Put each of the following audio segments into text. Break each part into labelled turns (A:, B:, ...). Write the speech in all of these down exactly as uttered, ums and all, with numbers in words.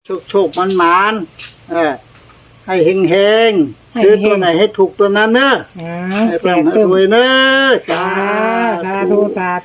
A: โชคโชคมันหมานเออให้เฮงเฮงซื้อตัวไหนให้ถูกตัวนั้นเนอะให้เพิ่มให้รวยเนอะจ้า
B: สาธุสาธุ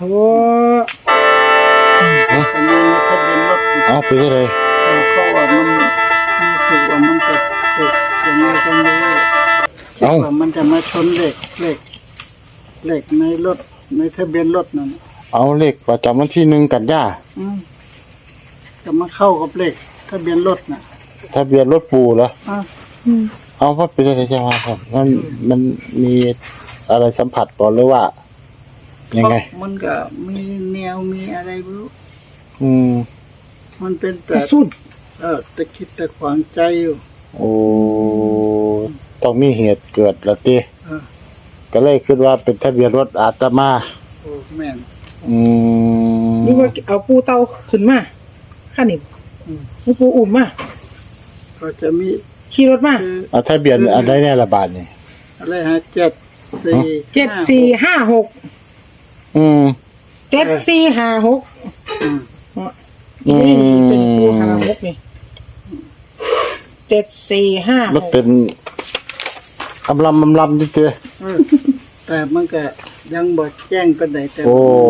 C: เอาไปเลย
A: เขาว่ามันรู้สึกว่ามันจะถูกยังไงก็ไม่รู้คิดว่ามันจะมาชนเหล็กเหล็กเหล็กในรถในทะเบียนรถนั่น
C: เอาเลขประจำวันที่หนึ่งกันยา
A: อืมจะมาเข้ากับเลขทะเบียนรถน่ะ
C: ทะเบียนรถปูเหรอ
A: อ่ะ
C: เอาว่าไปเลยใช่ไหมครับมันมันมีอะไรสัมผัสก่อนหรือว่า ยังไง
A: มันก็มีแนวมีอะไรไม่รู้
C: อืม
A: มันเป็น
B: ก
A: แต่
B: ระสุน
A: เออตะคิดตะขวางใจอยู่
C: โอ้ต้องมีเหตุเกิดละตี
A: เออ
C: ก็เลยคิดว่าเป็นทะเบียนรถอาตมา
A: โอ้แม่น
C: อืม
B: นี่ว่าเอาปูเตาขึ้นมาข้านี่
A: อืม
B: นี่ปูอุ่มมา
A: ก็จะมี
B: ขี่รถมา
A: คือ
C: เอาทะเบียนอะไรแน่ละบาทนี่
A: อะไรฮะเจ็ดสี่
B: เจ็ดสี่ห้าหก
C: อืม
B: เจ็ดสี่ห้าหก
A: อืม
B: นี่เป็นปูห้าหกนี่เจ็ดสี่ห้าห
C: มัน
B: ก
C: เป็นอำลำอำลำนี่เจ้
A: เออแต่มันก็ยังบ่แจ้งเป็นไหนแต่
C: โอ้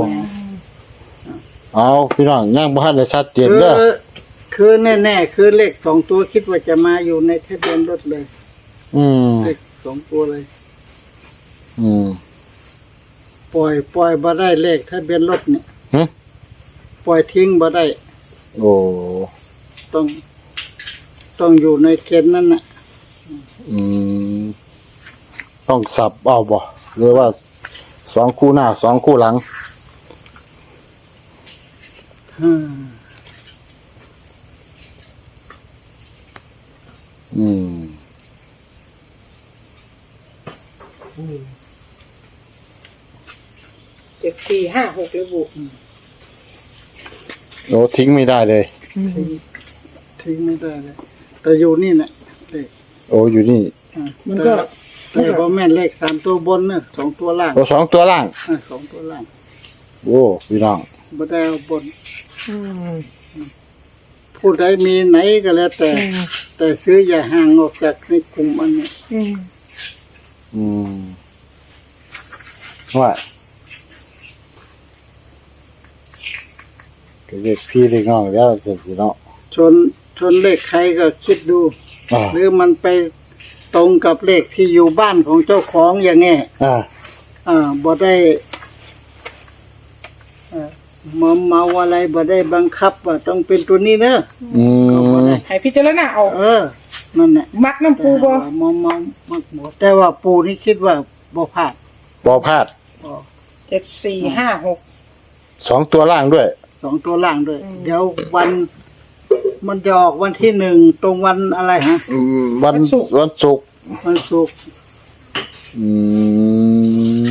C: เอาพี่น้องย่างบ้านเลยชัดเจน
A: คือ
C: เด้อ
A: คือแน่ๆคือเลขสองตัวคิดว่าจะมาอยู่ในทะเบียนรถเลย
C: อืม
A: เลขสองตัวเลย
C: อืม
A: ปล่อยปล่อยบ่ได้เลขทะเบียนรถเนี่ย
C: หึ
A: ปล่อยทิ้งบ่ได้
C: โอ้
A: ต้อง ต้องอยู่ในเกณฑ์นั้นน่ะ
C: อืม ต้องสับเอาบ่หรือว่าสองคู่หน้าสองคู่หลัง
A: อืม
C: อืม
B: เจ็ดสี่ห้าหกเลยบุ
C: โอ้ทิ้งไม่ได้เลย
A: ทิ้งทิ้งไม่ได้เลย แต่อยู่นี่น่ะเลข
C: โอ้อยู่นี่
A: อ่า
B: มันก็
A: แต่แต่บ่แม่นเลขสามตัวบนน่ะสองตัวล่าง
C: โอ้สองตัวล่าง
A: อ่าสองตัวล่าง
C: โอ้พี่น้อง
A: บ่ได้เอาบน
B: อืม
A: ผู้ใดมีไหนก็แล้วแต่
B: อืม
A: แต่ซื้ออย่าห่างออกจากในกลุ่มอันนี้
B: อืม
C: อืมว่าก็เรียกพี่เรียกน้องแล้วสิพี่น้อง
A: ชนชนเลขใครก็คิดดู
C: อ่า
A: หรือมันไปตรงกับเลขที่อยู่บ้านของเจ้าของอย่างงี้
C: อ่า
A: อ่าบ่ได้เอ่อมอมเมาอะไรบ่ได้บังคับว่าต้องเป็นตัวนี้เนอะ
C: อืม
B: ให้พิจารณาเอา
A: เออ นั่นแหละ
B: มักน้ำปูบ่
A: แต่ว่ามอมเมามักบ่แต่ว่าปูนี่คิดว่าบ่พลาด
C: บอพลาด
A: อ๋อ
B: เจ็ดสี่ห้าหก
C: สองตัวล่างด้วย
A: สองตัวล่างด้วย
B: อืม
A: เดี๋ยววัน มันจะออกวันที่หนึ่งตรงวันอะไรฮะ
C: วันวันศุกร์
A: วันศุกร์
C: อืม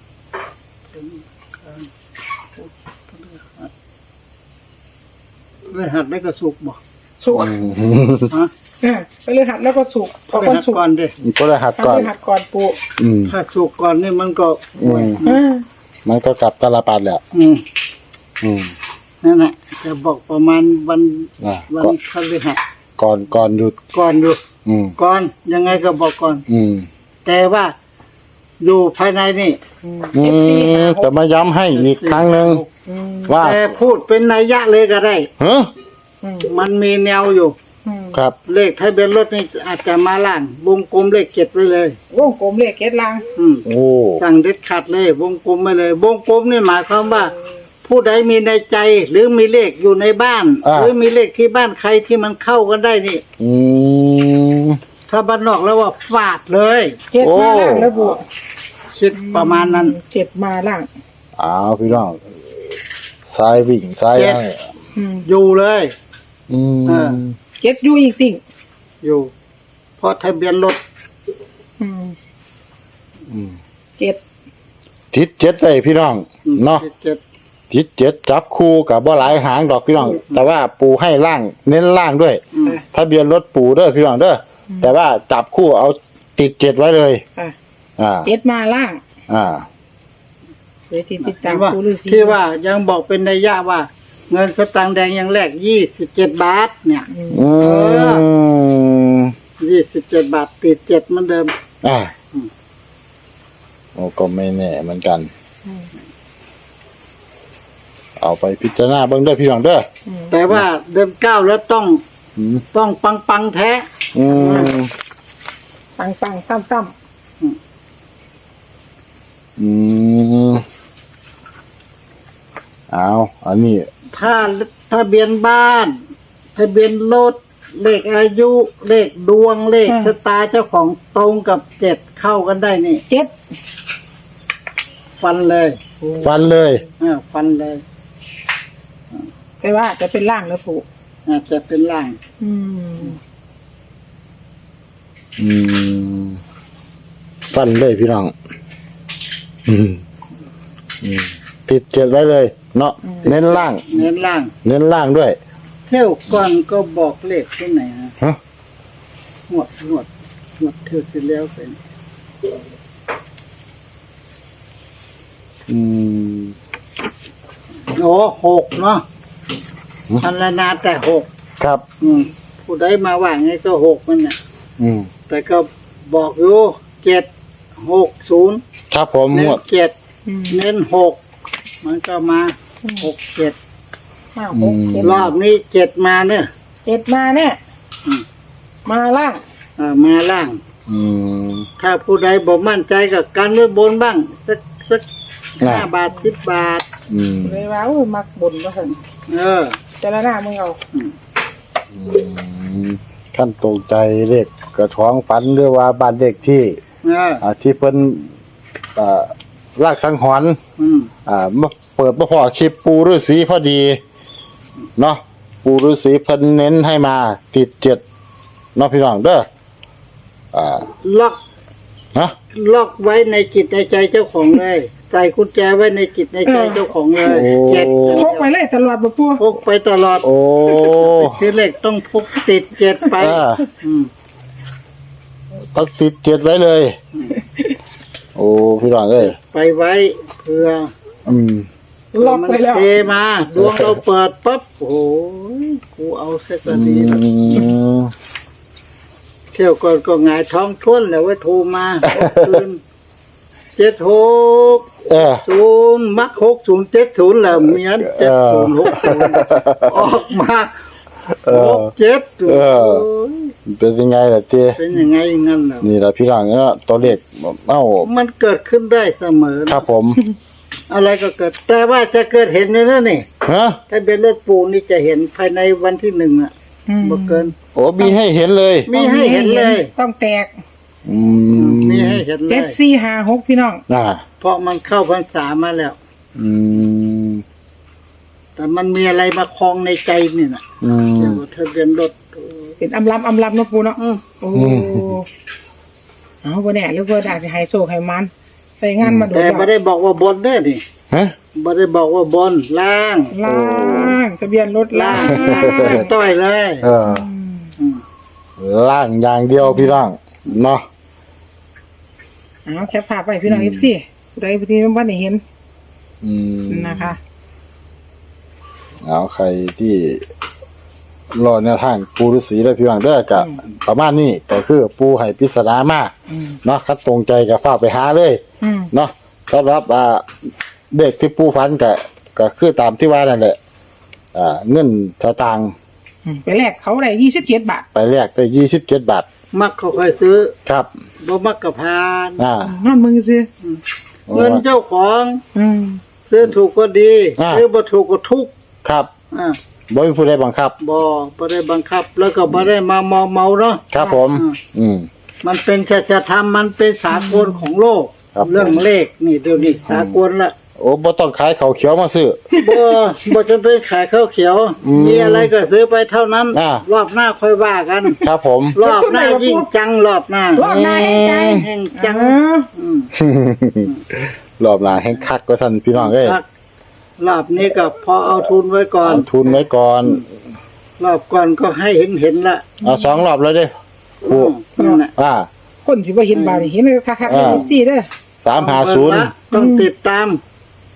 A: เลยหัดได้ก็สุกร์บ่
B: สุก
A: ฮะ
B: อ่าไปเลยหัดแล้วก็สุกพอ
A: ไป
B: วัน
A: หัด
B: สุก
A: ก่อนดิ
C: ก็เลยหัด
B: ทำ
C: ก่อน
B: ไปหัดก่อนปู
C: อืม
A: ถ้าสุกร์ก่อนนี่มันก็
C: อืม
B: อ่า
C: มันก็กลับตาลปัดแหละ
A: อืม
C: อืม
A: นั่นแหละจะบอกประมาณวัน
C: อ่า
A: วัน
C: ก็
A: พฤหัส
C: ก่อนก่อนหยุด
A: ก่อนอยู่
C: อืม
A: ก่อนยังไงก็บอกก่อน
C: อืม
A: แต่ว่าอยู่ภายในนี่
B: อืม
C: อื
B: เจ็ดสี่
C: ม
B: ห้าห
C: แต่
B: ก
C: มาย้ำให้อีกครั้งหนึ่ง
B: อืม
C: ว่า
A: แต่พูดเป็นนัยยะเลยก็ได้
C: เฮ้อ
B: อืม
A: มันมีแนวอยู่
B: อืม
C: ครับ
A: เลขทะเบียนรถนี่อาจจะมาล่างวงกลมเลขเจ็ดไว้เลย
B: วงกลมเลขเกตลาง
A: อืม
C: โอ้
A: สั่งเด็ดขาดเลย วงกลมไปเลย วงกลมนี่หมายความว่า ผู้ใดมีในใจ หรือมีเลขอยู่ในบ้าน หรือมีเลขที่บ้านใครที่มันเข้ากันได้นี่
C: อืม
A: ถ้าบ้านนอกแล้วว่าฟาดเลย
B: เจ็ดมาล่างแล้วบุ
A: คิดประมาณนั้น
B: เจ็ดมาล่าง
C: อ้าวพี่น้องซ้ายวิ่งซ้าย
A: เจ็ด
C: ให้
B: อืม
A: อยู่เลย
C: อืม
A: เออ
B: เจ็ดอยู่อีกติ่ง
A: อยู่ เพราะทะเบียนรถ
B: อืม
C: อืม
B: เจ็ด
C: ทิศเจ็ดเลยพี่น้อง
A: อืม
C: เนาะ
A: เจ็ด
C: ทิศเจ็ดจับคู่กับบ่หลายหางดอกพี่น้อง แต่ว่าปูให้ล่าง เน้นล่างด้วย
A: อืม
C: ทะเบียนรถปูเด้อพี่น้องเด้ออแต่ว่าจับคู่เอาติดเจ็ดไว้เลย
B: อ่ะ
C: อ่า
B: เจ็ดมาล่าง
C: อ่า
B: เดี๋ยวติดติดตาม
A: ที่ว่า
B: ปูฤาษี
A: ที่ว่ายังบอกเป็นนัยยะว่าเงินสตางค์แดงอย่างแรกยี่สิบเจ็ดบาทเนี่ย
C: อืม
A: ยี่สิบเจ็ดบาทติดเจ็ดเหมือนเดิม
C: อ่า
A: อืม
C: โอ้ก็ไม่แน่เหมือนกัน
B: อืม
C: เอาไปพิจารณาเบิ่งเด้อพี่น้องเด้อ
B: อืม
A: แต่ว่าเดือนเก้าแล้วต้อง
C: อืม
A: ต้องปังปังๆแท้
C: อืม
B: ปังปังตั้มตั้ม
C: อืมเอาอันนี้
A: ถ้าทะเบียนบ้าน ทะเบียนรถเลขอายุ เลขดวงเลขชะตาเจ้าของตรงกับเจ็ดเข้ากันได้นี่
B: เจ็ด
A: ฟันเลย
C: ฟันเลย
A: เออฟันเลย
B: แต่ว่าจะเป็นล่างแล้วผูก
A: อาจจะเป็นล่าง
B: อืม
C: อืมฟันเลยพี่น้อง อืมอืมติดเจ็ดไว้เลย เนาะเน้นล่าง
A: เน้นล่าง
C: เน้นล่างด้วย
A: เที่ยวก่อนก็บอกเลขที่ไหนฮะ
C: ฮะ
A: หวดหวดหวดเที่ยวที่แล้วเป็น
C: อืม
A: โอ้หกเนาะพันละนาแต่หก
C: ครับ
A: อืมผู้ใดมาว่าไงก็หกมันน่ะ
C: อืม
A: แต่ก็บอกอยู่เจ็ดหกศูนย์
C: ครับผมห
A: เน้
C: ม
A: น
C: ด
A: เจ็ด
B: อืม
A: เน้นหกมันก็มาหกเจ็ด
B: ห้าหกเจ็ด
A: รอบนี้เจ็ดมาเนี่ย
B: เจ็ดมาเนี่ย
A: อืม
B: มาล่าง
A: เออมาล่าง
C: อืม
A: ถ้าผู้ใดบอกมั่นใจกับการเลือกบนบ้าง สักสัก
C: อ่า
A: ห้าบาทสิบบาท
C: อืม
B: เลยว่าอุ้ยมักบนว่าสั่น
A: เออ
B: แต่ละหน้ามึงเอา
A: อืม
C: อืมขั้นตกใจเลขกระท้องฝันหรือว่าบ้านเด็กที่
A: เออ
C: อ่าที่เพิ่นอ่าลากสังหรณ์
A: อืม
C: อ่ามาเปิดมาพอคลิปปูฤาษีพอดี เนาะปูฤาษีเพิ่นเน้นให้มาติดเจ็ดเนาะพี่น้องเด้ออ่า
A: ล็อก
C: ฮะ
A: ล็อกไว้ในจิตในใจเจ้าของเลย ใส่กุญแจไว้ในจิตในใจเจ้าของเลยเจ็ด
B: พกไปเลยตลอดบ่ปู
A: พกไปตลอด
C: โอ้
A: ซื้อเลขต้องพกติดเจ็ดไป
C: อ่า
A: อืม
C: ต้องติดเจ็ดไว้เลย โอ้พี่น้องเอ้ย
A: ไปไว้เพื่อ
C: อืม
B: ล็อกไปแล้ว
A: มันเทมาดวงเราเปิดปั๊บโอ้โหกูเอาเสก
C: อื
A: ดีแล้ว
C: ม
A: เที่ยวก่อนก็หงายท้องท้วนแล้วว่าโทรมาคืนเจ็ดหก
C: เออ
A: ศูนย์มักหกศูนย์เจ็ดศูนย์แล้วเมียนเจ็ดศูนย์หกศูนย์ออกมา
C: เอ
A: ห
C: อก
A: เจ็ด
C: เออ
A: โอ้ย
C: เป็นยังไงล่ะเต้
A: เป็นยังไงงั้นเหรอ
C: นี่ล่ะพี่น้องเนาะตัวเลขเอ้า
A: มันเกิดขึ้นได้เสมอ
C: ครับผม
A: อะไรก็เกิด แต่ว่าจะเกิดเห็นเลยนะนี่
C: ฮะ
A: ถ้าเป็นรถปูนี่จะเห็นภายในวันที่หนึ่งอ่ะ
B: อืม
A: บ่เกิน
C: โอ้มีให้เห็นเลย
A: มีให้เห็นเลย
B: ต้องแตก
C: อืม
A: มีให้เห็นเล
B: เจ็ด
A: ย
B: สี่ห้าหกพี่น้อง
C: น่ะ
A: เพราะมันเข้าพรรษามาแล้ว
C: อืม
A: แต่มันมีอะไรมาคลองในใจนี่นะ
C: อืม
A: เกี่ยวกับทะเบียนรถ
B: เป็นอำลำอำลำเนาะปูเนาะ
A: อืม
B: โอ้
C: อืม
B: เอาบ่แน่หรือว่าดาจะให้โซกให้มัน ใส่งานมาโด
A: แต่
B: น
A: ไม่ได้บอกว่าบนเด้อนี่
C: ฮะ
A: ไม่ได้บอกว่าบนล่าง
B: ล่างทะเบียนรถล่า
A: ล่าง งต้อยเลย
C: เออ
A: อืม
C: ล่างอย่างเดียวพี่น้องเนาะ
B: เอาแคปภาพไปพี่น้อง เอฟ ซีผู้ใดผู้ที่บ่ได้เห็น
C: อืม
B: นะคะ
C: เอาใครที่รอแนวทางปูฤาษีและพี่น้องเด้อก็ประมาณนี้ก็คือปูให้ปริศนามา
B: อืม
C: เนาะคัดตรงใจก็ฝากไปหาเลย
B: อืม
C: เนาะสำหรับอ่าเด็กที่ปูฝันก็ก็คือตามที่ว่านั่นแหละอ่าเงินสตางค์
B: อืมไปแลกเขาได้ยี่สิบเจ็ดบาท
C: ไปแลกได้ยี่สิบเจ็ดบาท
A: มักเขาค่อยซื้อ
C: ครับ
A: บ่มักกับพาน
C: อ่า
B: นั่นมึงซื้อ
A: เงินเจ้าของ
B: อืม
A: ซื้อถูกก็ดี
C: อ่า
A: ซื้อบ่ถูกก็ทุกข์
C: ครับ
A: อ่า
C: บ่มีผู้ใดบังคับ
A: บ่บ่ได้บังคับ แล้วก็บ่ได้มามอมเมาเนาะ
C: ครับผม
A: อ่า
C: อืม
A: มันเป็นชัจธรรมมันเป็นสากลของโลก
C: ครับ
A: เรื่องเลขนี่เดี๋ยวนี้สากลละ
C: โอ้บ่ต้องขายข้าวเขียวมาซื้อ
A: บ่บ่จะเป็นขายข้าวเขียว
C: อืม
A: มีอะไรก็ซื้อไปเท่านั้น
C: อ่าร
A: อบหน้าค่อยว่ากัน
C: ครับผม
A: รอบหน้ายิ่งจังรอบหน้าร
B: อบหน้าแห่งใจ
A: แห่งจัง
B: อ่า
A: อืม
C: รอบหลังแห่งคักก็สั่นพี่น้องเอ้ย
A: ครับรอบนี้ก็พอเอาทุนไว้ก่อน
C: เอาทุนไว้ก่อน
A: รอบก่อนก็ให้เห็นเห็นๆละ
C: เอาสองรอบแล้วเด้
A: อืมนั่นน่ะ
C: อ่า
B: คนสิบ่เห็นบาดนี่เห็นคักๆใน
C: อ่า
B: เอฟซีเด้อ
C: สามหาศูนย์
A: ต้องติดตาม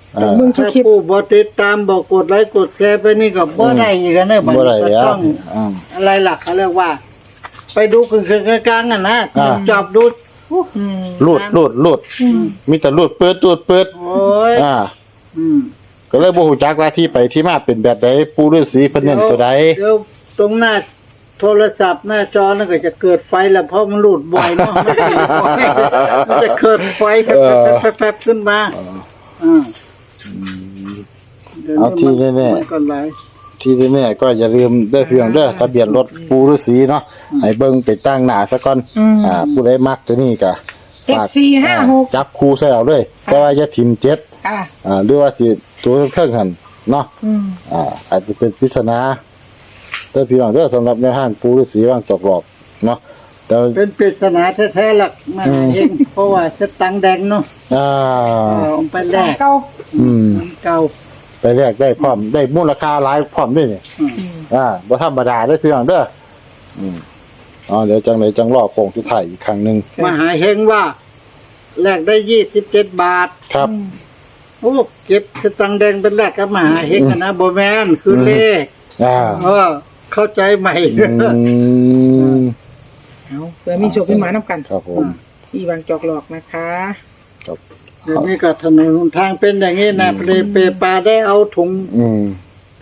C: อ่า
B: มึงชุ
A: ถ้า
B: คลิป
A: ผู้บ่ติดตามบอกกดไลค์กดแชร์ไปนี่ก็บ่ได้อีกนะบัด
C: บ่ได้
A: นี้ก็
C: แล้ว
A: ต้อง
C: อ่า
A: อะไรล่ะเขาเรียกว่า ไปดูคือกลางๆอ่ะนะ
C: อ่า
A: จอบดู
B: อืม
C: รูดรูดรูดมีแต่รูดเปิดรูดเปิด
A: โอ้ย
C: อ่า
A: อืม
C: ก็เลยบ่ฮู้จักว่าที่ไปที่มาเป็นแบบใดปู่ฤาษีเพิ่นเน้นตัวใด
A: เดี๋ยวตรงหน้าโทรศัพท์หน้าจอนั่นก็จะเกิดไฟแล้วเพราะมันหลุดบ่อยเนาะมันติดบ่อยมันจะเกิดไฟแป๊บๆๆๆขึ้นมาอ่าดี๋ยว
C: เอาที่แน่ๆ
A: มันก็หลาย
C: ที่แน่ๆก็อย่าลืมเด้อเพียงเด้อทะเบียนรถปู่ฤาษีเนาะให้เบิ่งไปตั้งหน้าซะก่อนอ่าผู้ใดมักตัวนี้ก็
B: เจ็ดสี่ห้าหก
C: จับคู่ใส่เอาเลยแต่ว่าอย่าทิ่มเจ็ด
B: ค่ะ
C: อ่าหรือว่าสิตัวเครื่องหันเนาะ
B: อืม
C: อ่าอาจจะเป็นปริศนาเด้อพี่น้องเด้อสำหรับแนวทางปู่ฤาษีว่างจอกหลอกเนาะแต่
A: เป็นปริศนาแท้ๆหลักมาเองเพราะว่าสตังค์แดงเนาะ
C: อ่า
A: เอาไปแลก
B: เก้า
C: อืม
A: มันเก่า
C: ไปแลกได้พร้อมได้มูลค่าหลายพร้อมด้วยนี่
A: อืม
B: อืม
C: อ่าบ่ธรรมดาเด้อพี่น้องเด้ออืมอ๋อเดี๋ยวจังไดจังรอโป่งสุดท้ายอีกครั้งหนึง
A: มหาเฮงว่าแลกได้ยี่สิบเจ็ดบาท
C: ครับ
B: อืม
A: โอ้เก็บสตังค์แดงเป็นแลกกับมหาเฮงอะนะโบแมนคือเลข
C: อ่า
A: เออเข้าใจใหม่
C: อืม
B: เอาเผื่อมีโชคมีหมาน้ำกัน
C: ครับผม
B: ที่วางจอกหลอกนะคะ
C: ครับ
A: เดี๋ยวนี้ก็ถนนหนทางเป็นอย่างนี้นะเปรเปปาได้เอาถุง
C: อืม